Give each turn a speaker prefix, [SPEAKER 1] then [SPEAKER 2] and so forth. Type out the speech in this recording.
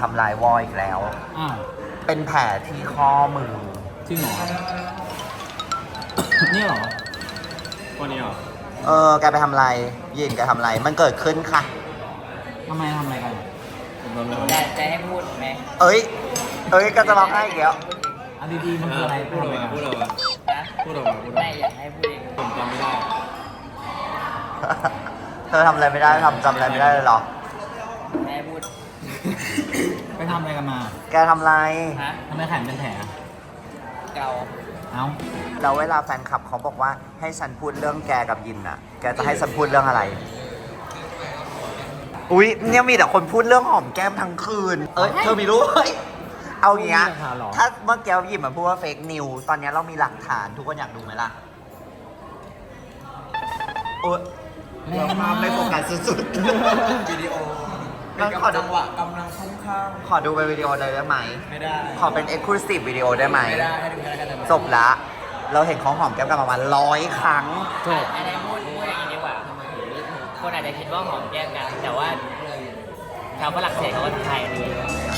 [SPEAKER 1] ำลายวออีกแล้ว
[SPEAKER 2] อ้าว
[SPEAKER 1] เป็นแผลที่ข้อมือ
[SPEAKER 2] จริงเหรอ เนี่ยเหรอ
[SPEAKER 3] วันนี้เหรอ
[SPEAKER 1] แกไปทำอะไรยินแกทำอะไร มันเกิดขึ้นค่ะ
[SPEAKER 2] ทำไมทำอะไรกัน
[SPEAKER 3] ผมทำแล้ว
[SPEAKER 4] จะให้พูดไหม
[SPEAKER 1] เอ้ยก็จะร้องไห้อีกแล้ว
[SPEAKER 2] เอาดีๆมันคืออะไร
[SPEAKER 3] พูดออกมาพูดออกมา
[SPEAKER 4] นะ
[SPEAKER 3] พูดออกมาพูดออก
[SPEAKER 4] ไม่
[SPEAKER 3] มา
[SPEAKER 4] อยากให้พูดเอง
[SPEAKER 3] ผมจำไม่ได้
[SPEAKER 1] เธอทำอะไรไม่ได้จำอะไรไม่ได้เลยเหรอ
[SPEAKER 4] ไม่ให้พูด
[SPEAKER 2] ไปทำอะไรกันมา
[SPEAKER 1] แกทำอะไร
[SPEAKER 4] ฮะ
[SPEAKER 2] ทำไมแขนเป็นแผล
[SPEAKER 4] เกา
[SPEAKER 2] เอ้า
[SPEAKER 1] แล้วเวลาแฟนคลับเขาบอกว่าให้ฉันพูดเรื่องแกกับยินน่ะ แกจะให้ฉันพูดเรื่องอะไร อุ๊ยเนี่ยมีแต่คนพูดเรื่องหอมแก้มทั้งคืน เธอมีรู้เฮ้ยเอาอย่างเงี้ย
[SPEAKER 2] มีหลักฐานเหรอ
[SPEAKER 1] ถ้าเมื่อกี้หยิบมาพูดว่าเฟกนิวตอนนี้เรามีหลักฐานทุกคนอยากดูไหมล่ะ โอ๊ยเราภาพไม่โฟกัสสุดๆ
[SPEAKER 3] วิดีโอ
[SPEAKER 1] งั้นขอดู
[SPEAKER 3] จังหวะกำลังคุ้มข้าง
[SPEAKER 1] ขอดูเป็นวิดีโอเลยได้ไหม
[SPEAKER 3] ไม่ได้
[SPEAKER 1] ขอเป็น exclusive วิดีโอได้ไหม
[SPEAKER 3] ไม่ได้ให้ดูแค่นั้นกัน
[SPEAKER 1] จบละ เราเห็นของหอมแก้มกันประมาณ100 ครั้ง
[SPEAKER 2] จบ
[SPEAKER 4] อันนี้พูดอย่างนี้ดีกว่า คนอาจจะคิดว่าหอมแก้มกัน แต่ว่าชาวฝรั่งเศสเขาก็ไทยดี